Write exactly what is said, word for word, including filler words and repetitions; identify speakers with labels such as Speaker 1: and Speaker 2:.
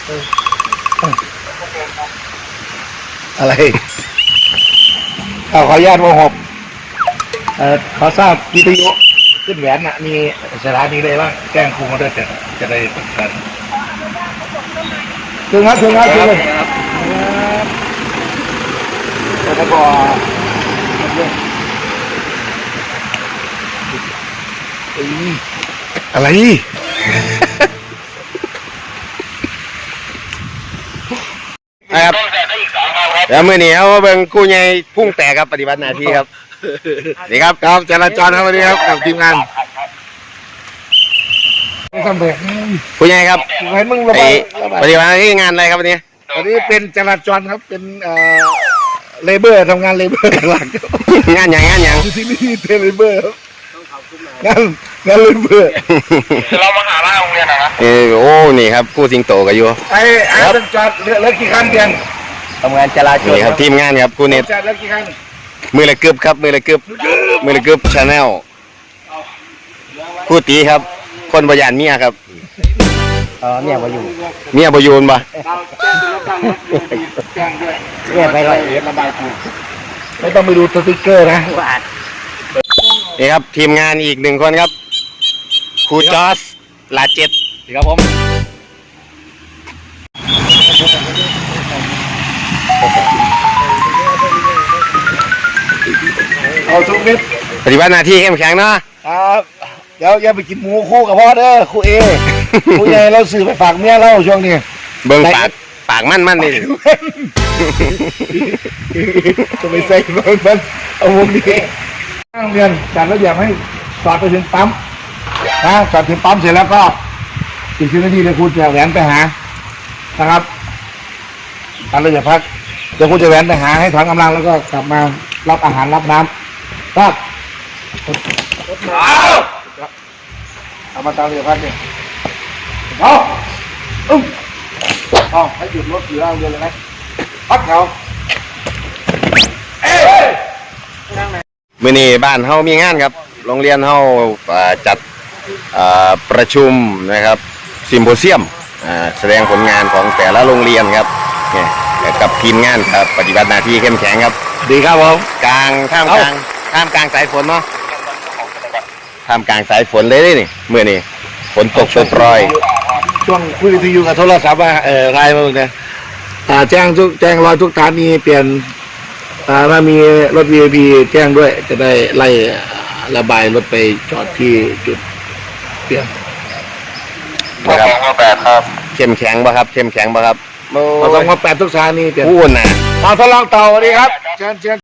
Speaker 1: อะไรขออนุญาตวงหกเอ่อขอทราบวิทยุขึ้นแหวนน่ะมีสถานีเลยบ้างแจ้งครูมาด้วยจะจะได้ประกันถึงครับถึงครับถึงเลยแล้วก็อะไร
Speaker 2: ครับแล้วมื่อนี้เขาเบิ่งกู้ใหญ่พุ่งแตกครับปฏิบัติหน้าที่ครับนี่ครับครับจราจรครับวันนี้ครับกับทีมงาน
Speaker 1: ทำแบบ
Speaker 2: กู้ใหญ่ครับ
Speaker 1: เห็นมึงระบาย
Speaker 2: ปฏิบัติหน้าที่งานอะไรครับวันนี้
Speaker 1: วันนี้เป็นจราจรครับเป็นเอ่อเลเบอร์ทำงานเลเบอร์หลัก
Speaker 2: งานอย่างงานอย่าง
Speaker 1: ที่นี่เป็นเลเบอร์งานงานเลเบอร์
Speaker 2: เรามาหาล่าโรงเรียนนะเออโอ้นี่ครับกู้สิงโตกันอยู่
Speaker 1: ไอ้ไอ้เป็นจอดเหลือกี่คันเดียน
Speaker 2: ทำงานจราจรนี่ครับทีมงานครับกู้เน็ต
Speaker 1: จอดเหลือกี่คัน
Speaker 2: มือละกึบครับมือละกึบมือละกึบชาแนลกู้ตีครับคนบริยานเมียครับ
Speaker 1: เออเมียบอยู่
Speaker 2: เมียบอยู่นปะ
Speaker 1: เมียไปเลยระบายกูไม่ต้องไปดูสติ๊กเกอร์นะ
Speaker 2: นี่ครับทีมงานอีกหนึ่งคนครับครูจอสลาเจ็ดครับผม
Speaker 1: เอาทุกเม็ด
Speaker 2: ปฏิบัติหน้าที่เข้มแข็งเนาะ
Speaker 1: ครับเดี๋ยวอย่าไปกินหมูคู่กับพ่อเด้อครูเอครูใหญ่เราซื้อไปฝากเมียเราช่วงนี้
Speaker 2: เบิ่งปากปากมั่นมั่นนี่
Speaker 1: จะไปใส่เบิ่งมันเอาวงนี้นั่งเรียนจัดระเบียบให้สอดไปถึงปั๊มนะสอดถึงปั๊มเสร็จแล้วก็อีกสิบนาทีเดี๋ยวครูจะแหวนไปหานะครับตอนเราจะพักเดี๋ยวครูจะแหวนไปหาให้ถอนกำลังแล้วก็กลับมารับอาหารรับน้ำครับเอามาตามเรือพัดเนี่ยเอาอึ้งเอาให้หยุดรถอยู่ล่างเรือเลยไหมพัดเขาเอ้ย
Speaker 2: มื้อนี้บ้านเฮามีงานครับโรงเรียนเฮาจัดประชุมนะครับซิมโพเซียมแสดงผลงานของแต่ละโรงเรียนครับเนี่ยกับทีมงานครับปฏิบัติหน้าที่เข้มแข็งครับ
Speaker 1: ดีครับผม
Speaker 2: กลางท่ามกลางท่ามกลางสายฝนเนาะท่ามกลางสายฝนเลยนี่เมื่อนี้ฝนตกโปรย
Speaker 1: ช่วงคุยวิทยุกับโทรศัพท์ว่าเออไลน์มาเนี่ยแจ้งทุกแจ้งรอยทุกฐานีเปลี่ยนถ้ามีรถ วี ไอ พี แจ้งด้วยจะได้ไล่ระบายรถไปจอดที่จุดเปลี่ยน
Speaker 2: นะครับแปดครับเข้มแข็งป่ะครับเข้มแข็งป่ะครับ
Speaker 1: เราต้องมาแปดทุกสถานีเปลี่ยน
Speaker 2: พูดนะ
Speaker 1: มาทดลองต่อวันนี้ครับเชิญเชิญ